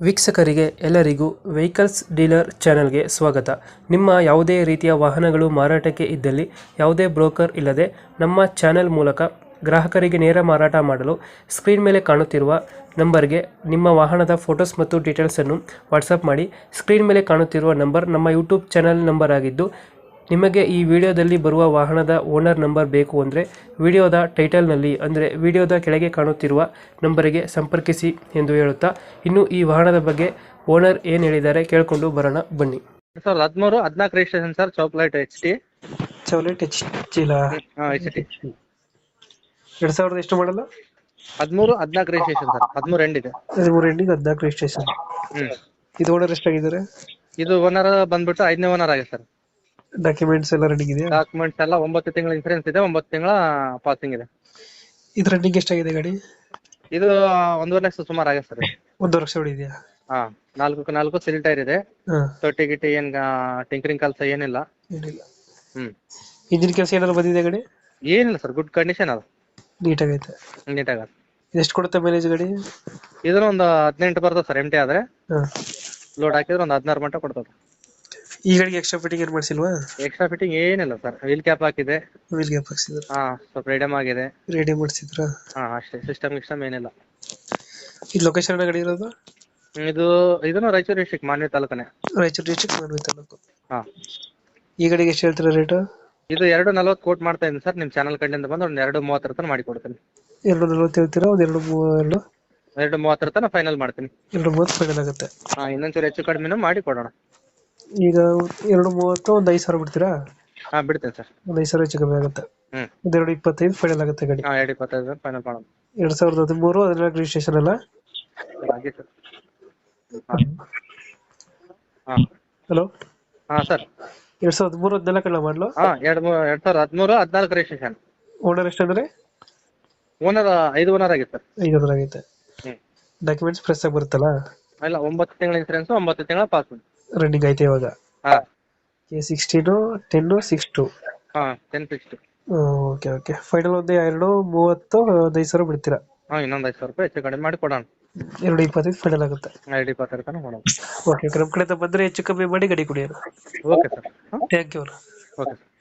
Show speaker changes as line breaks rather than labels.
ವೀಕ್ಷಕರಿಗೆ ಎಲ್ಲರಿಗೂ vehicles dealer ಚಾನೆಲ್ಗೆ ಸ್ವಾಗತ. ನಿಮ್ಮ ಯಾವುದೇ ರೀತಿಯ ವಾಹನಗಳು ಮಾರಾಟಕ್ಕೆ ಇದ್ದಲ್ಲಿ ಯಾವುದೇ ಬ್ರೋಕರ್ ಇಲ್ಲದೆ ನಮ್ಮ ಚಾನೆಲ್ ಮೂಲಕ ಗ್ರಾಹಕರಿಗೆ ನೇರ ಮಾರಾಟ ಮಾಡಲು ಸ್ಕ್ರೀನ್ ಮೇಲೆ ಕಾಣುತ್ತಿರುವ ನಂಬರ್ಗೆ ನಿಮ್ಮ ವಾಹನದ ಫೋಟೋಸ್ ಮತ್ತು ಡೀಟೇಲ್ಸನ್ನು ವಾಟ್ಸಪ್ ಮಾಡಿ. ಸ್ಕ್ರೀನ್ ಮೇಲೆ ಕಾಣುತ್ತಿರುವ ನಂಬರ್ ನಮ್ಮ ಯೂಟ್ಯೂಬ್ ಚಾನೆಲ್ ನಂಬರ್ ಆಗಿದ್ದು, ನಿಮಗೆ ಈ ವಿಡಿಯೋದಲ್ಲಿ ಬರುವ ವಾಹನದ ಓನರ್ ನಂಬರ್ ಬೇಕು ಅಂದರೆ ವಿಡಿಯೋದ ಟೈಟಲ್ನಲ್ಲಿ ಅಂದರೆ ವಿಡಿಯೋದ ಕೆಳಗೆ ಕಾಣುತ್ತಿರುವ ನಂಬರಿಗೆ ಸಂಪರ್ಕಿಸಿ ಎಂದು ಹೇಳುತ್ತಾ, ಇನ್ನು ಈ ವಾಹನದ ಬಗ್ಗೆ ಓನರ್ ಏನು ಹೇಳಿದ್ದಾರೆ ಕೇಳಿಕೊಂಡು ಬರೋಣ ಬನ್ನಿ.
2013-14 ರಿಜಿಸ್ಟ್ರೇಷನ್ ಸರ್. ಚಾಕ್ಲೇಟ್ HT
ಚೌಲೆಟ್ ಚೀಲ
HT
2000 ಎಷ್ಟು ಮಾಡಲ್ಲ?
13-14 ರಿಜಿಸ್ಟ್ರೇಷನ್ ಸರ್. 13 ಎಂಡ್ ಇದೆ.
13 ಎಂಡಿಂಗ್ 14 ರಿಜಿಸ್ಟ್ರೇಷನ್. ಇದು ಓನರ್ ಎಷ್ಟಾಗಿದ್ದಾರೆ?
ಇದು ಓನರ್ ಬಂದ್ಬಿಟ್ಟು 5ನೇ ಓನರ್ ಆಗಿದೆ ಸರ್.
ಡಾಕ್ಯುಮೆಂಟ್ಸ್ ಎಲ್ಲ ರನ್ನಿಂಗ್ ಇದೆಯಾ?
ಡಾಕ್ಯುಮೆಂಟ್ಸ್ ಎಲ್ಲ 9 ತಿಂಗಳ ಇನ್ಸೂರೆನ್ಸ್ ಇದೆ, 9 ತಿಂಗಳ ಪಾಸಿಂಗ್ ಇದೆ.
ಇದು ರನ್ನಿಂಗ್ ಎಷ್ಟಾಗಿದೆ ಗಾಡಿ?
ಇದು 1.5 ಲಕ್ಷ ಸುಮಾರು ಆಗಿದೆ ಸರ್.
1 ವರ್ಷ ಹೊಡಿದೆಯಾ?
4 ಸಿಲ್ ಟೈರ್ ಇದೆ.
ಹಾಂ,
ತೊಟ್ಟಿ ಗಿಟ್ಟಿ ಏನ್ ಟಿಂಕರಿಂಗ್ ಕೆಲಸ ಏನಿಲ್ಲ.
ಏನಿಲ್ಲ. ಇಂಜಿನ್ ಕೆಲಸ ಏನಾದ್ರು ಬಂದಿದೆ ಗಾಡಿ?
ಏನಿಲ್ಲ ಸರ್, ಗುಡ್ ಕಂಡೀಷನ್ ಅದು,
ನೀಟಾಗೈತೆ.
ನೀಟಾಗ.
ಎಷ್ಟು ಕೊಡುತ್ತೆ ಮೈಲೇಜ್ ಗಾಡಿ?
ಇದನ್ನ ಒಂದು 18 ಬರ್ತದೆ ಸರ್. MT ಆದ್ರೆ
ಹಾಂ,
ಲೋಡ್ ಹಾಕಿದ್ರೆ ಒಂದು 16 ಮಟ್ಟ ಕೊಡ್ತದೆ.
ಈ ಗಾಡಿಗೆ ಎಕ್ಸ್ಟ್ರಾ ಫಿಟ್ಟಿಂಗ್ ಏನು ಮಾಡಿಸಿಲ್ವಾ?
ಎಕ್ಸ್ಟ್ರಾ ಫಿಟ್ಟಿಂಗ್ ಏನಿಲ್ಲ ಸರ್. ವೀಲ್ ಕ್ಯಾಪ್ ಹಾಕಿದೆ.
ವೀಲ್ ಗ್ಯಾಪ್ ಹಾಕ್ಸಿದ್ರು,
ಸ್ವಲ್ಪ ರೆಡಮ್ ಆಗಿದೆ.
ರೆಡಿ ಮಾಡಿಸಿದ್ರ?
ಅಷ್ಟೇ. ಸಿಸ್ಟಮ್ ಏನಿಲ್ಲ.
ಈ ಲೊಕೇಶನ್ ಗಾಡಿ ಇರೋದು?
ಇದನ್ನು ರಾಯಚೂರು ಡಿಸ್ಟ್ರಿಕ್ಟ್ ಮಾನ್ವಿ ತಾಲೂಕನೇ.
ರಾಯಚೂರು ಡಿಸ್ಟ್ರಿಕ್ಟ್ ಮಾನ್ವಿ ತಾಲೂಕು.
ಹಾ.
ಈ ಗಾಡಿಗೆ ಎಷ್ಟು ಹೇಳ್ತೀರಾ ರೇಟ್?
ಇದು 2.40 ಕೋಟ್ ಮಾಡ್ತಾ ಇದ್ದೀನಿ ಸರ್. ನಿಮ್ ಚಾನಲ್ ಕಡೆಯಿಂದ ಬಂದು ಒಂದು 2.30 ತನಕ ಮಾಡಿ ಕೊಡ್ತೀನಿ.
240 ಹೇಳ್ತೀರಾ? ಒಂದು
2.30 ತನಕ ಫೈನಲ್ ಮಾಡ್ತೀನಿ.
230 ಫೈನಲ್ ಆಗುತ್ತೆ.
ಇನ್ನೊಂಚೂರು ಹೆಚ್ಚು ಕಡಿಮೆನೂ ಮಾಡಿ ಕೊಡೋಣ.
ಈಗ 230 ಒಂದು 5,000 ಬಿಡ್ತೀರಾ?
ಬಿಡ್ತೇನೆ ಸರ್.
ಒಂದು 5,000 ಹೆಚ್ಚು ಕಮ್ಮಿ ಆಗುತ್ತೆ. ಒಂದು 225 ಫೈನಲ್ ಆಗುತ್ತೆ ಗಾಡಿ.
2.25 ಫೈನಲ್ ಮಾಡೋಣ.
2013 14 ರಿಜಿಸ್ಟ್ರೇಷನ್ ಅಲ್ಲ?
ಹಾಗೆ ಸರ್.
ಹಲೋ.
ಸರ್.
2013 14 ಮಾಡಲು?
2013-14 ರಿಜಿಸ್ಟ್ರೇಷನ್.
ಓನರ್ ಎಷ್ಟಂದ್ರೆ?
ಓನರ್ 5 ಓನರ್ ಆಗಿದೆ ಸರ್.
5 ಓನರ್ ಆಗೈತೆ. ಡಾಕ್ಯುಮೆಂಟ್ಸ್ ಫ್ರೆಶ್ ಆಗಿ ಬರುತ್ತಲ್ಲ?
ಇಲ್ಲ, 9 ತಿಂಗಳ ಇನ್ಸೂರೆನ್ಸ್, 9 ತಿಂಗಳ ಪಾಸ್.
ರನ್ನಿಂಗ್ ಐತೆ ಇವಾಗ? A16 10 62.
10-60.
Okay okay. ಫೈನಲ್ ಒಂದು 230 ಒಂದು 5,000 ಬಿಡ್ತೀರಾ?
ಇನ್ನೊಂದು 5,000 ರೂಪಾಯಿ ಹೆಚ್ಚು ಕಡಿಮೆ ಮಾಡಿ ಕೊಡೋಣ.
225 ಫೈನಲ್ ಆಗುತ್ತೆ.
2.20 ತನಕ ಕೊಡೋಣ.
ಓಕೆ, ನಮ್ಮ ಕಡೆಯಿಂದ ಬಂದರೆ ಹೆಚ್ಚು ಕಮ್ಮಿ ಮಾಡಿ ಗಾಡಿ ಕೊಡಿ.
Okay sir.
Thank you.
Okay sir.